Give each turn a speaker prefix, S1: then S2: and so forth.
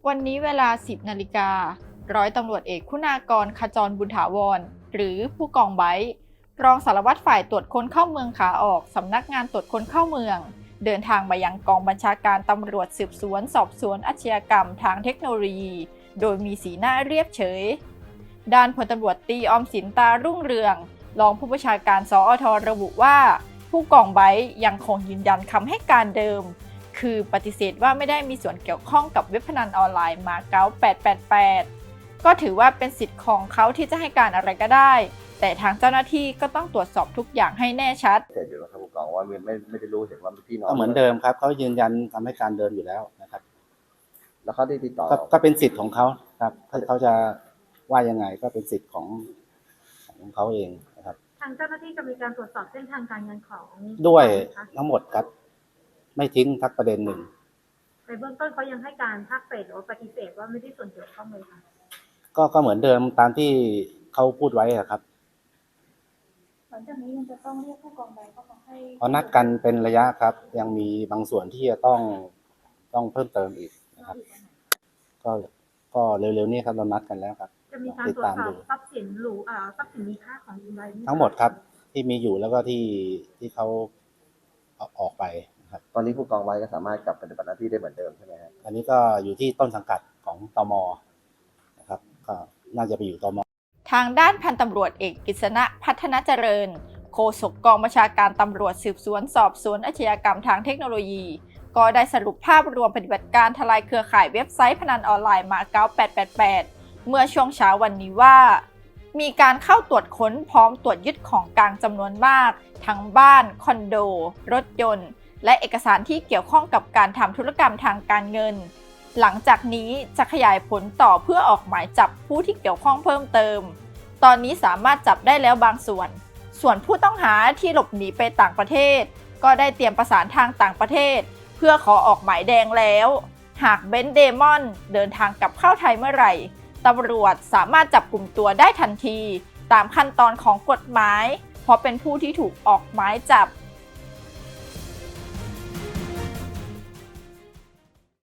S1: วันนี้เวลา 10 นาฬิกา ร้อยตำรวจเอกคุณากร ขจรบุญถาวร หรือผู้กองไบร์ท รองสารวัตรฝ่ายตรวจคนเข้าเมืองขาออกสำนักงานตรวจคนเข้าเมือง เดินทางมายังกองบัญชาการตำรวจสืบสวนสอบสวนอาชญากรรมทางเทคโนโลยี โดยมีสีหน้าเรียบเฉย ด้านพลตำรวจตรีออมสินตารุ่งเรือง รองผู้บัญชาการสอท.ระบุว่า ผู้กองไบร์ทยังคงยืนยันคำให้การเดิม คือปฏิเสธว่าไม่ได้มีส่วนเกี่ยวข้องกับเว็บพนันออนไลน์มาเก๊า888 ก็ถือว่าเป็นสิทธิ์ของเขาที่จะให้การอะไรก็ได้ แต่ทางเจ้าหน้าที่ก็ต้องตรวจสอบทุกอย่างให้แน่ชัด
S2: เสร็จอยู่แล้วครับผู้กองว่าไม่ได้รู้เห็นว่าพี่น้อง
S3: ก็เหมือนเดิมครับเขายืนยันคำให้การเดิมอยู่แล้วนะครับ
S2: แล้วเขาได้ติดต่อ
S3: ก็เป็นสิทธิ์ของเขาครับเขาจะว่ายังไงก็เป็นสิทธิ์ของเขาเองนะครับ
S4: ทางเจ้าหน้าที่จะมีการตรวจสอบเส้นทางการเงินของ
S3: ด้วยทั้งหมดครับไม่ทิ้งทักประเด็นหนึ่ง
S4: ในเบื้องต้นเขายังให้การภาคเศษหรือปฏิเสธว่าไม่ได้ส่วนเกี่ยวข้องเลยค่ะ
S3: ก็เหมือนเดิมตามที่เขาพูดไว้ครับ
S5: หลังจากนี้มันจะต้องเรียกผู้กองไบร์ทเข้ามาให้
S3: เขานัดกันเป็นระยะครับยังมีบางส่วนที่จะต้องเพิ่มเติมอีกนะครับก็เร็วๆนี้ครับเรานัดกันแล้วครับ
S4: จะมีการตรวจสอบทรัพย์สินทรัพย์สินมีค่าของคุณไบร์ท
S3: ทั้งหมดครับที่มีอยู่แล้วก็ที่เขาออกไปนะครับ
S2: ตอนนี้ผู้กองไว้ก็สามารถกลับปฏิบัติหน้าที่ได้เหมือนเดิมใช่ไหมครับ
S3: อันนี้ก็อยู่ที่ต้นสังกัดของตม.นะครับก็น่าจะไปอยู่ตม.
S1: ทางด้านพันตำรวจเอกกฤษณะพัฒนาเจริญโฆษกกองบัญชาการตำรวจสืบสวนสอบสวนอาชญากรรมทางเทคโนโลยีก็ได้สรุปภาพรวมปฏิบัติการทลายเครือข่ายเว็บไซต์พนันออนไลน์มาเก๊า888 เมื่อช่วงเช้าวันนี้ว่ามีการเข้าตรวจค้นพร้อมตรวจยึดของกลางจำนวนมากทั้งบ้านคอนโดรถยนต์และเอกสารที่เกี่ยวข้องกับการทำธุรกรรมทางการเงินหลังจากนี้จะขยายผลต่อเพื่อออกหมายจับผู้ที่เกี่ยวข้องเพิ่มเติมตอนนี้สามารถจับได้แล้วบางส่วนผู้ต้องหาที่หลบหนีไปต่างประเทศก็ได้เตรียมประสานทางต่างประเทศเพื่อขอออกหมายแดงแล้วหากเบนซ์เดมอนเดินทางกลับเข้าไทยเมื่อไหร่ตำรวจสามารถจับกลุ่มตัวได้ทันทีตามขั้นตอนของกฎหมายเพราะเป็นผู้ที่ถูกออกหมายจับ